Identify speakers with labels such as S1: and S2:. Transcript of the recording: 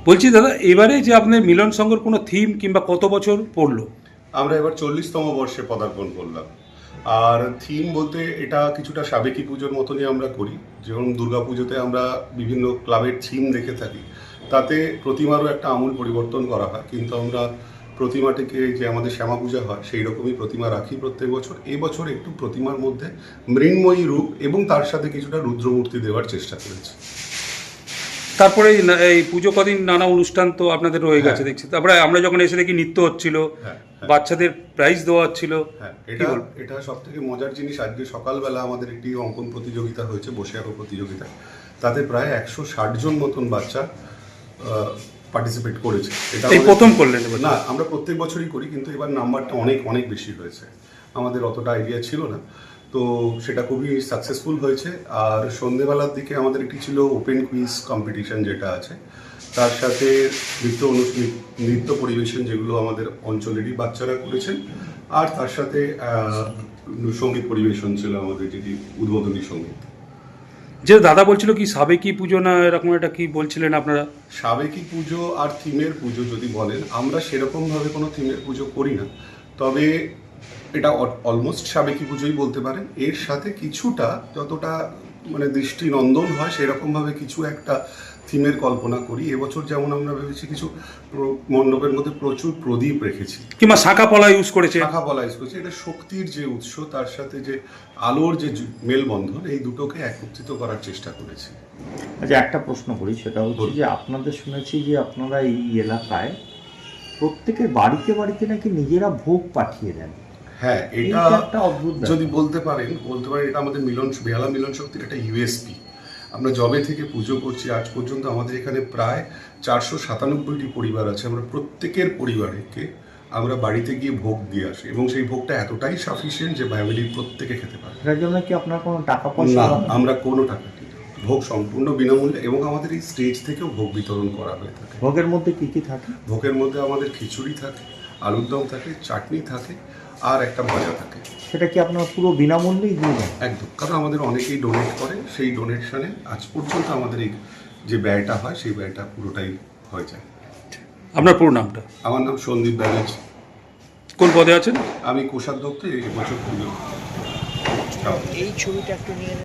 S1: বলছি দাদা, এবারে যে আপনাদের মিলন সংঘর কোনো থিম কিংবা কত বছর পড়লো?
S2: আমরা এবার 40তম বর্ষে পদার্পণ করলাম। আর থিম বলতে এটা কিছুটা সাবেকি পুজোর মতনই আমরা করি। যেমন দুর্গাপুজোতে আমরা বিভিন্ন ক্লাবের থিম দেখে থাকি, তাতে প্রতিমারও একটা আমূল পরিবর্তন করা হয়, কিন্তু আমরা প্রতিমাটিকে যে আমাদের শ্যামা পূজা হয় সেই রকমই প্রতিমা রাখি প্রত্যেক বছর। এই বছর একটু প্রতিমার মধ্যে মৃন্ময়ী রূপ এবং তার সাথে কিছুটা রুদ্রমূর্তি দেওয়ার চেষ্টা করেছি।
S1: তারপরে এই পুজো কদিন নানা অনুষ্ঠান তো আপনাদের রয়ে গেছে
S2: হ্যাঁ।
S1: দেখছি। তারপরে আমরা যখন এসে দেখি নৃত্য হচ্ছিল,
S2: হ্যাঁ, হ্যাঁ।
S1: বাচ্চাদের প্রাইজ দেওয়া হচ্ছিল।
S2: হ্যাঁ,
S1: কি
S2: এটা
S1: বলবো?
S2: এটা সব থেকে মজার জিনিস। আজকে সকালবেলা আমাদের একটি অঙ্কন প্রতিযোগিতা হয়েছে, বসে আঁকো প্রতিযোগিতা। তাতে প্রায় 160 জন মতন বাচ্চা পার্টিসিপেট করেছে। এটা
S1: এই প্রথম করলেন এবার?
S2: না, আমরা প্রত্যেক বছরই করি, কিন্তু এবার নাম্বারটা অনেক অনেক বেশি হয়েছে। আমাদের অতটা আইডিয়া ছিল না, তো সেটা খুবই সাকসেসফুল হয়েছে। আর সন্ধেবেলার দিকে আমাদের একটি ছিল ওপেন কুইজ কম্পিটিশন যেটা আছে, তার সাথে নৃত্য পরিবেশন যেগুলো আমাদের অঞ্চলেরই বাচ্চারা করেছেন, আর তার সাথে সঙ্গীত পরিবেশন ছিল আমাদের, যেটি উদ্বোধনী সঙ্গীত।
S1: যে দাদা বলছিল কি সাবেকি পুজো না এরকম একটা কি বলছিলেন আপনারা?
S2: সাবেকি পুজো আর থিমের পুজো যদি বলেন, আমরা সেরকমভাবে কোনো থিমের পুজো করি না, তবে এটা অলমোস্ট সাবেকি পুজোই বলতে পারেন। এর সাথে কিছুটা যতটা মানে দৃষ্টিনন্দন হয় সেরকমভাবে কিছু একটা থিমের কল্পনা করি। এবছর যেমন আমরা ভেবেছি কিছু মণ্ডপের মধ্যে প্রচুর প্রদীপ রেখেছি,
S1: কিংবা শাঁখা পলা ইউজ করেছে।
S2: শাখা বলা ইউজ করছি। এটা শক্তির যে উৎস, তার সাথে যে আলোর যে মেলবন্ধন, এই দুটোকে একত্রিত করার চেষ্টা করেছি।
S3: আচ্ছা, একটা প্রশ্ন করি, সেটা হচ্ছে যে আপনাদের শুনেছি যে আপনারা এই এলাকায় প্রত্যেকের বাড়িতে বাড়িতে নাকি নিজেরা ভোগ পাঠিয়ে দেন।
S2: হ্যাঁ, এটা
S3: একটা অদ্ভুত ব্যাপার।
S2: যদি বলতে পারেন এটা আমাদের বেহালা মিলন শক্তির একটা ইউএসপি। আমরা জবে থেকে পুজো করছি আজ পর্যন্ত আমাদের এখানে প্রায় 497টি পরিবার আছে। আমরা প্রত্যেকের পরিবারকে আমরা বাড়িতে গিয়ে ভোগ দিয়ে আসি, এবং সেই ভোগটা এতটাই সাফিসিয়েন্ট যে ফ্যামিলির প্রত্যেকে খেতে পারে।
S3: এটার জন্য কি আপনার কোনো টাকা পয়সা
S2: না,
S3: লাগে?
S2: আমরা কোনো টাকা দিই না। ভোগ সম্পূর্ণ বিনামূল্যে, এবং আমাদের এই স্টেজ থেকেও ভোগ বিতরণ করা হয়ে থাকে।
S3: ভোগের মধ্যে কি কি থাকে?
S2: ভোগের মধ্যে আমাদের খিচুড়ি থাকে, আলুর দম থাকে, চাটনি থাকে, আর একটা ভাজা থাকে।
S3: সেটা কি আপনারা পুরো বিনামূল্যেই দিয়ে দেন?
S2: একদম, কারণ আমাদের অনেকেই ডোনেট করে, সেই ডোনেশনে আজ পর্যন্ত আমাদের এই যে ব্যয়টা হয় সেই ব্যয়টা পুরোটাই হয়ে যায়।
S1: আপনার পুরো নামটা?
S2: আমার নাম সন্দীপ ব্যানার্জি।
S1: কোন পদে আছেন?
S2: আমি কোষাধ্যক্ষ এই বছর পুজো।
S4: এই ছবিটা একটু নিয়ে